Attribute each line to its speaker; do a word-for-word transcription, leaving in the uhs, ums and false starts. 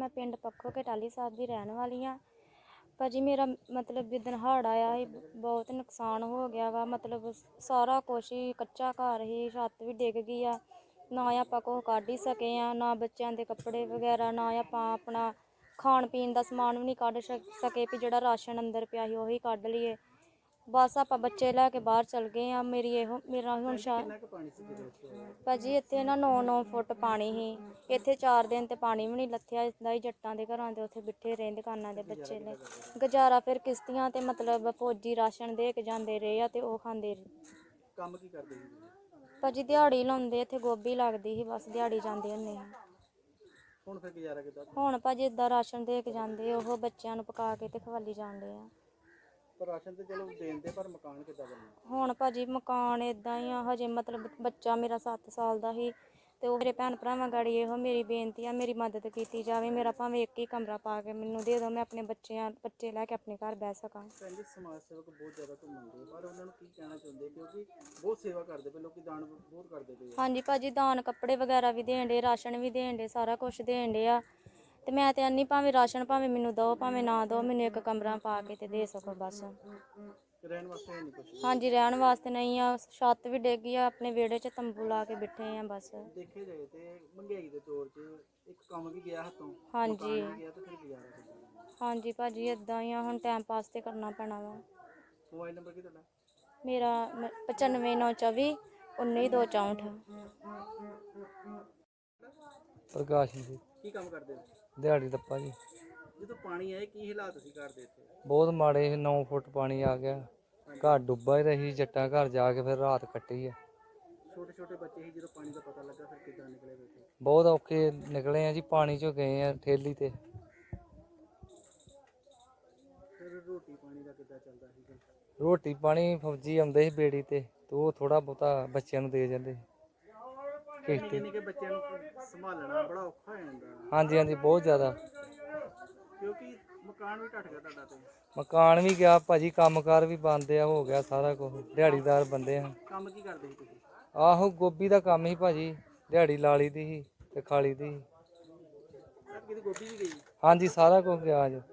Speaker 1: मैं पिंड पक्खो के टाली साहब की रहने वाली हाँ। भाजी मेरा मतलब जिदन हड़ आया ही बहुत नुकसान हो गया वा, मतलब सारा कुछ ही कच्चा घर ही, छत्त भी डिग गई आ, ना आप कुछ कढ़ ही सके हैं, ना बच्चों के कपड़े वगैरह, ना आप अपना खाण पीन का समान भी नहीं कढ़ सके भी जोड़ा राशन अंदर पिया ही उही कढ़ लीए। बस आप बच्चे लैके बाहर चल गए हैं। मेरी यो मेरा हुण शा भाजी इत्थे ना नौ नौ फुट पानी ही, इत्थे चार दिन ते पानी भी नहीं लथया। इसदा ही जट्टां दे घरां दे उत्थे बिठे रहे दुकानां दे बच्चे ले गुजारा फिर किश्तियां ते मतलब फौजी राशन दे के जांदे रहे आ ते ओह खांदे
Speaker 2: ਕੰਮ ਕੀ ਕਰਦੇ ਸੀ
Speaker 1: भाजी दिहाड़ी लाउंदे इत्थे गोभी लगदी ही, बस दिहाड़ी जांदे हुंदे ही।
Speaker 2: ਹੁਣ ਫਿਰ ਗੁਜ਼ਾਰਾ ਕਿੱਦਾਂ
Speaker 1: हुण भाजी इदां राशन दे के जांदे ओह बच्चों नूं पका के ते खवाली जांदे आ।
Speaker 2: ਪਰ ਰਾਸ਼ਨ ਤੇ ਚਲੋ ਦੇਂਦੇ ਪਰ ਮਕਾਨ ਕਿੱਦਾਂ ਬਣਨਾ?
Speaker 1: ਹੁਣ ਭਾਜੀ ਮਕਾਨ ਇਦਾਂ ਹੀ ਆ, ਹਜੇ ਮਤਲਬ ਬੱਚਾ ਮੇਰਾ ਸੱਤ ਸਾਲ ਦਾ ਹੀ ਤੇ ਉਹ ਮੇਰੇ ਭੈਣ ਭਰਾਵਾਂ ਗਾੜੀ ਇਹੋ ਮੇਰੀ ਬੇਨਤੀ ਆ, ਮੇਰੀ ਮਦਦ ਕੀਤੀ ਜਾਵੇ। ਮੇਰਾ ਭਾਵੇਂ ਇੱਕ ਹੀ ਕਮਰਾ ਪਾ ਕੇ ਮੈਨੂੰ ਦੇ ਦਿਓ, ਮੈਂ ਆਪਣੇ ਬੱਚਿਆਂ ਬੱਚੇ ਲੈ ਕੇ ਆਪਣੇ ਘਰ ਬਹਿ ਸਕਾਂ।
Speaker 2: ਕਹਿੰਦੇ ਸਮਾਜ ਸੇਵਕ ਬਹੁਤ ਜ਼ਿਆਦਾ ਘੁੰਮਦੇ ਪਰ ਉਹਨਾਂ ਨੂੰ ਕੀ ਕਹਿਣਾ ਚਾਹੁੰਦੇ, ਕਿਉਂਕਿ ਬਹੁਤ ਸੇਵਾ ਕਰਦੇ ਪਏ ਲੋਕੀ, ਦਾਨ ਬਹੁਤ ਕਰਦੇ ਪਏ।
Speaker 1: ਹਾਂਜੀ ਭਾਜੀ ਦਾਨ ਕੱਪੜੇ ਵਗੈਰਾ ਵੀ ਦੇਣ ਡੇ, ਰਾਸ਼ਨ ਵੀ ਦੇਣ ਡੇ, ਸਾਰਾ ਕੁਝ ਦੇਣ ਡੇ ਆ ਤੇ ਮੈਂ ਤੇ ਆਨੀ ਭਾਵੇਂ ਰਾਸ਼ਨ ਭਾਵੇਂ ਮੈਨੂੰ ਦਿਓ ਭਾਵੇਂ ਨਾ ਦਿਓ, ਮੈਨੂੰ ਇੱਕ ਕਮਰਾ ਪਾ ਕੇ ਤੇ ਦੇ ਸਕੋ ਬਸ।
Speaker 2: ਰਹਿਣ ਵਾਸਤੇ ਨਹੀਂ ਕੁਝ?
Speaker 1: ਹਾਂਜੀ ਰਹਿਣ ਵਾਸਤੇ ਨਹੀਂ ਆ, ਛੱਤ ਵੀ ਡਿੱਗ ਗਈ ਆ, ਆਪਣੇ ਵਿਹੜੇ 'ਚ ਤੰਬੂ ਲਾ ਕੇ ਬੈਠੇ ਆ ਬਸ।
Speaker 2: ਦੇਖੇ ਜਾਏ ਤੇ ਮਹਿੰਗਾਈ ਦੇ ਦੌਰ 'ਚ ਇੱਕ ਕੰਮ ਵੀ ਗਿਆ ਹੱਥੋਂ,
Speaker 1: ਹਾਂਜੀ
Speaker 2: ਮਕਾਨ ਵੀ ਗਿਆ ਤੇ ਫਿਰ ਗੁਜ਼ਾਰਾ ਕਿੱਦਾਂ?
Speaker 1: ਹਾਂਜੀ ਭਾਜੀ ਇਦਾਂ ਹੀ ਆ, ਹੁਣ ਟਾਈਮ ਪਾਸ ਤੇ ਕਰਨਾ ਪੈਣਾ ਵਾ।
Speaker 2: ਮੋਬਾਈਲ ਨੰਬਰ ਕੀ ਤੁਹਾਡਾ?
Speaker 1: ਮੇਰਾ ਪਚਾਨਵੇਂ ਨੌ ਚੌਵੀ ਉੱਨੀ ਦੋ ਚੌਂਹਠ।
Speaker 3: ਪ੍ਰਕਾਸ਼ ਜੀ।
Speaker 2: ਕੀ ਕੰਮ ਕਰਦੇ ਹੋ?
Speaker 3: ਦਿਹਾੜੀ ਦੱਪਾ ਜੀ।
Speaker 2: ਜਦੋਂ ਪਾਣੀ ਆਏ ਕੀ ਹਾਲਾਤ ਸੀ ਘਰ ਦੇ ਇੱਥੇ?
Speaker 3: ਬਹੁਤ ਮਾੜੇ ਸੀ, ਨੌ ਫੁੱਟ ਪਾਣੀ ਆ ਗਿਆ, ਘਰ ਡੁੱਬਾ ਹੀ ਰਹੀ, ਜੱਟਾਂ ਘਰ ਜਾ ਕੇ ਫਿਰ ਰਾਤ ਕੱਟੀ ਆ।
Speaker 2: ਛੋਟੇ ਛੋਟੇ ਬੱਚੇ ਸੀ, ਜਦੋਂ ਪਾਣੀ ਦਾ ਪਤਾ ਲੱਗਾ ਫਿਰ ਕਿੱਦਾਂ ਨਿਕਲੇ ਬੈਠੇ?
Speaker 3: ਬਹੁਤ ਔਖੇ ਨਿਕਲੇ ਆ ਜੀ, ਪਾਣੀ ਚੋਂ ਗਏ ਆ ਠੇਲੀ ਤੇ।
Speaker 2: ਫਿਰ ਰੋਟੀ ਪਾਣੀ ਦਾ ਕਿੱਦਾਂ ਚੱਲਦਾ ਸੀ?
Speaker 3: ਰੋਟੀ ਪਾਣੀ ਫੌਜੀ ਆਉਂਦੇ ਸੀ ਬੇੜੀ ਤੇ, ਤੇ ਉਹ ਥੋੜਾ ਬਹੁਤਾ ਬੱਚਿਆਂ ਨੂੰ ਦੇ ਜਾਂਦੇ ਸੀ।
Speaker 2: ਨਿੱਕੇ ਨਿੱਕੇ ਬੱਚਿਆਂ ਨੂੰ ਸੰਭਾਲਣਾ ਬੜਾ ਔਖਾ ਹੋ ਜਾਂਦਾ।
Speaker 3: ਹਾਂਜੀ ਹਾਂਜੀ ਬਹੁਤ ਜ਼ਿਆਦਾ,
Speaker 2: ਕਿਉਂਕਿ ਮਕਾਨ ਵੀ ਢੱਟ ਗਿਆ ਤੁਹਾਡਾ ਤੇ?
Speaker 3: ਮਕਾਨ ਵੀ ਗਿਆ ਭਾਜੀ, ਕੰਮਕਾਰ ਵੀ ਬੰਦ ਆ, ਹੋ ਗਿਆ ਸਾਰਾ ਕੁਝ, ਦਿਹਾੜੀਦਾਰ ਬੰਦੇ ਆ।
Speaker 2: ਕੰਮ ਕੀ ਕਰਦੇ ਸੀ ਤੁਸੀਂ?
Speaker 3: ਆਹੋ ਗੋਭੀ ਦਾ ਕੰਮ ਸੀ ਭਾਜੀ, ਦਿਹਾੜੀ ਲਾ ਲਈ ਦੀ ਸੀ ਤੇ ਖਾ ਲਈ ਦੀ ਸੀ।
Speaker 2: ਕਿਤੇ ਗੋਭੀ ਵੀ ਗਈ?
Speaker 3: ਹਾਂਜੀ ਸਾਰਾ ਕੁਝ ਗਿਆ ਅੱਜ।